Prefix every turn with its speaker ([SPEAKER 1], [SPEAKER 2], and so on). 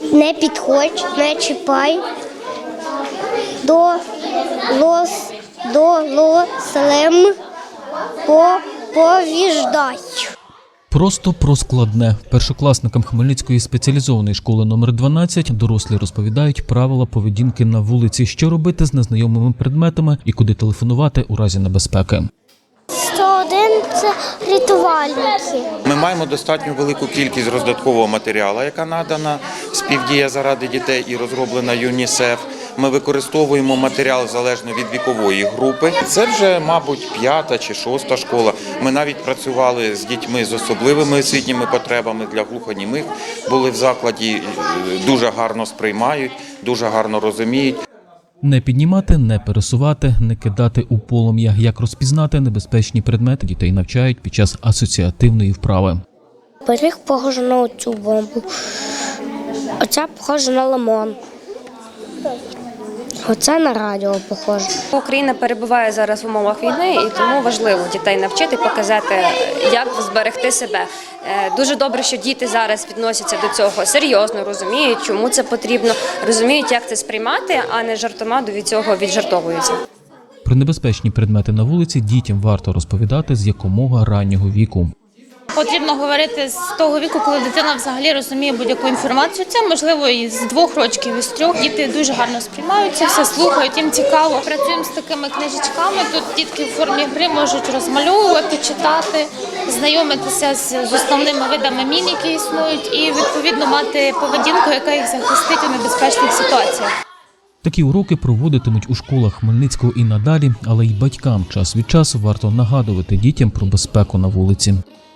[SPEAKER 1] Не підходь, не чіпай. До лослем повіждай.
[SPEAKER 2] Просто про складне. Першокласникам Хмельницької спеціалізованої школи номер 12 дорослі розповідають правила поведінки на вулиці, що робити з незнайомими предметами і куди телефонувати у разі небезпеки.
[SPEAKER 1] 101 – це рятувальники.
[SPEAKER 3] Ми маємо достатньо велику кількість роздаткового матеріалу, яка надана «Співдія заради дітей» і розроблена ЮНІСЕФ. Ми використовуємо матеріал залежно від вікової групи. Це вже, мабуть, 5-та чи 6-та школа. Ми навіть працювали з дітьми з особливими освітніми потребами для глухонімих. Були в закладі, дуже гарно сприймають, дуже гарно розуміють.
[SPEAKER 2] Не піднімати, не пересувати, не кидати у полум'я. Як розпізнати небезпечні предмети, дітей навчають під час асоціативної вправи.
[SPEAKER 1] Пиріг похожий на цю бомбу. Оця похожа на лимон. Оце на радіо похоже.
[SPEAKER 4] Україна перебуває зараз в умовах війни, і тому важливо дітей навчити, показати, як зберегти себе. Дуже добре, що діти зараз відносяться до цього серйозно, розуміють, чому це потрібно, розуміють, як це сприймати, а не жартома від цього віджартовуються.
[SPEAKER 2] Про небезпечні предмети на вулиці дітям варто розповідати з якомога раннього віку.
[SPEAKER 5] Потрібно говорити з того віку, коли дитина взагалі розуміє будь-яку інформацію. Це можливо і з 2 років, і з 3. Діти дуже гарно сприймаються, все слухають, їм цікаво. Працюємо з такими книжечками. Тут дітки в формі гри можуть розмальовувати, читати, знайомитися з основними видами мін, які існують, і відповідно мати поведінку, яка їх захистить у небезпечних ситуаціях.
[SPEAKER 2] Такі уроки проводитимуть у школах Хмельницького і надалі, але й батькам час від часу варто нагадувати дітям про безпеку на вулиці.